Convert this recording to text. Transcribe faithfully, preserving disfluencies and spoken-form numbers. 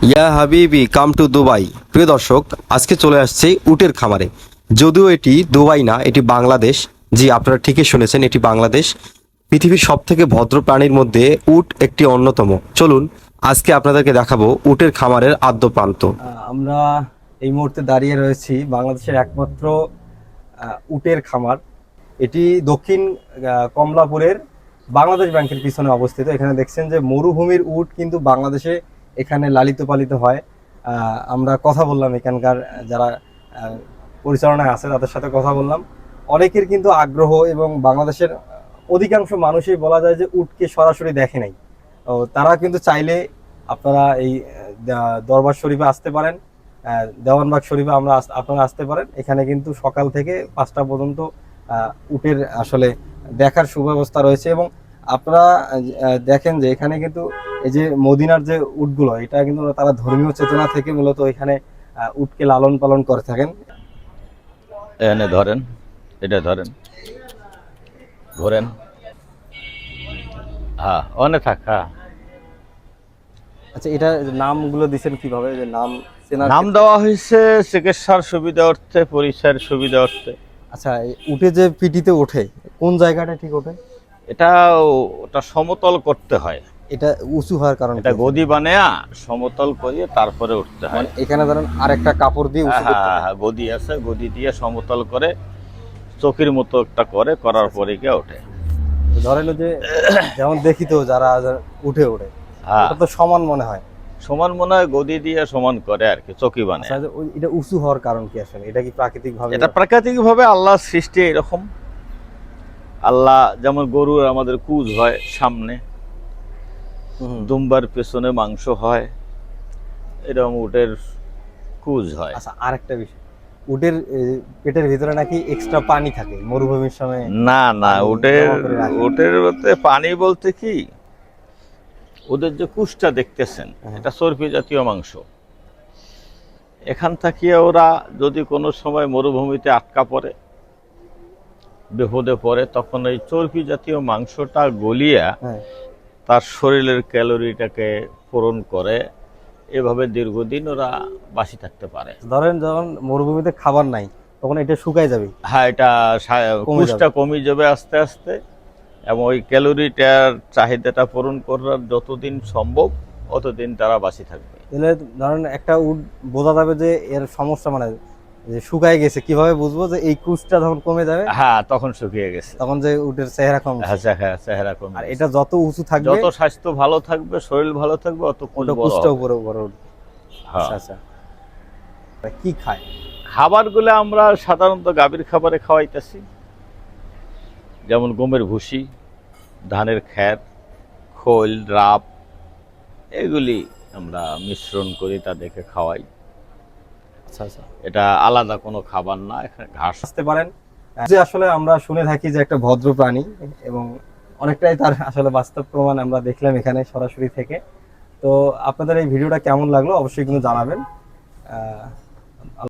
ইয়া হাবিবি come to Dubai. প্রিয় দর্শক, আজকে চলে আসছে উটের খামারে। যদিও এটি দুবাই না, এটি বাংলাদেশ। জি, আপনারা ঠিকই শুনেছেন, এটি বাংলাদেশ। পৃথিবীর সব থেকে ভদ্র প্রাণীর মধ্যে উট একটি অন্যতম। চলুন আজকে আপনাদেরকে দেখাবো উটের খামারের আদ্য প্রান্ত। আমরা এই মুহূর্তে দাঁড়িয়ে রয়েছি বাংলাদেশের একমাত্র আহ, উটের খামার। এটি দক্ষিণ আহ, কমলাপুরের বাংলাদেশ ব্যাংকের পিছনে অবস্থিত। এখানে দেখছেন যে মরুভূমির উট কিন্তু বাংলাদেশে এখানে লালিত পালিত হয়। আহ, আমরা কথা বললাম এখানকার যারা আহ, পরিচালনায় আছে তাদের সাথে কথা বললাম। অনেকের কিন্তু আগ্রহ, এবং বাংলাদেশের অধিকাংশ মানুষই বলা যায় যে উটকে সরাসরি দেখে নাই। তো তারা কিন্তু চাইলে আপনারা এই আহ, দরবার শরীফে আসতে পারেন, আহ, দেওয়ানবাগ শরীফে আমরা আস- আপনারা আসতে পারেন। এখানে কিন্তু সকাল থেকে পাঁচটা পর্যন্ত আহ, উটের আসলে দেখার সুব্যবস্থা রয়েছে। এবং আপনারা আহ, দেখেন যে এখানে কিন্তু এই যে মদিনার যে উটগুলো, এটা কিন্তু তারা ধর্মীয় চেতনা থেকে মূলত এখানে আহ, উটকে লালন পালন করে থাকেন। এখানে ধরেন, এটা ধরেন, ঘোরেন। হ্যাঁ, অনেক থাক। হ্যাঁ, আচ্ছা, এটা নামগুলো দিচ্ছেন কিভাবে, যে নাম চেনার নাম ক্ষেত্রে? দেওয়া হয়েছে চিকিৎসার সুবিধা অর্থে, পরিচয়ের সুবিধা অর্থে। আচ্ছা, এই উটে যে পিটিতে ওঠে, কোন জায়গাটা ঠিক ওঠে? এটা ওটা সমতল করতে হয়। এটা উঁচু হওয়ার কারণ এটা কি? গদি বানায়া সমতল করিয়ে তারপরে উঠতে হয়। মানে এখানে ধরেন আরেকটা কাপড় দিয়ে হ্যাঁ উঁচু করতে হ্যাঁ হয়। হ্যাঁ, গদি আছে, গদি দিয়ে সমতল করে চকির মতো একটা করে করার আচ্ছা, পরে গিয়ে ওঠে। ধরেন ওই যে যেমন দেখি তো যারা যারা উঠে ওঠে, হ্যাঁ, ওটা তো সমান মনে হয়। সমান মনে হয়, গদি দিয়ে সমান করে আর কি, চকি বানায়। আচ্ছা, ওই এটা উঁচু হওয়ার কারণ কি আসলে? এটা কি প্রাকৃতিক ভাবে? এটা প্রাকৃতিক ভাবে আল্লাহর সৃষ্টি এরকম। আল্লাহ যেমন গরুর আমাদের কুজ হয় সামনে, দুম্বার পেছনে মাংস হয়, এরকম উটের কুজ হয়। আচ্ছা, আরেকটা বিষয়, উটের এ, পেটের ভিতরে নাকি এক্সট্রা পানি থাকে মরুভূমির সময়। না না, পানি উটের জমা করে রাখে। উটের বলতে পানি বলতে কি, ওদের যে কুজটা দেখতেছেন, হ্যাঁ। এটা চর্বি জাতীয় মাংস। এখান থাকিয়ে ওরা যদি কোনো সময় মরুভূমিতে আটকা পড়ে, বিপদে পড়ে, তখন এই চর্বি জাতীয় মাংসটা গলিয়া হ্যাঁ। তার শরীরের ক্যালোরিটাকে পূরণ করে। এভাবে দীর্ঘদিন ওরা বাঁচি থাকতে পারে। ধরেন যখন মরুভূমিতে খাবার নাই, তখন এটা শুকায় যাবে। হ্যাঁ, এটা কমে কুষ্টা যাবে। কমে যাবে আস্তে আস্তে, এবং ওই ক্যালোরিটার চাহিদাটা পূরণ করার যতদিন সম্ভব অতদিন তারা বাঁচি থাকবে। তাহলে ধরেন একটা উট বোঝা যাবে যে এর সমস্যা, মানে যে শুকায় গেছে, কিভাবে বুঝবো যে এই কুচটা যখন কমে যাবে? হ্যাঁ, তখন শুকিয়ে গেছে। তখন যে উটের চেহারা কম। হ্যাঁ, চেহারা চেহারা কমে আর গেছে। এটা যত উঁচু থাকবে, যত স্বাস্থ্য ভালো থাকবে, শরীর ভালো থাকবে, অত কুচ ওটা বড় কুচটা হবে। উপরে উপরে উঠবে। হ্যাঁ। আচ্ছা আচ্ছা। তা কি খায়? খাবারগুলো আমরা সাধারণত গাভীর খাবারে খাওয়াইতেছি, যেমন গমের ভুসি, ধানের খ্যার, খোল, রাব, এগুলি আমরা মিশ্রণ করি তাদেরকে খাওয়াই। আচ্ছা আচ্ছা। এটা আলাদা কোনো খাবার না, এখানে ঘাস। আসতে পারেন। যে আসলে আমরা শুনে থাকি যে একটা ভদ্র প্রাণী, এবং অনেকটাই তার আসলে বাস্তব প্রমাণ আমরা দেখলাম এখানে সরাসরি থেকে। তো আপনাদের এই ভিডিওটা কেমন লাগলো অবশ্যই কিন্তু জানাবেন। আহ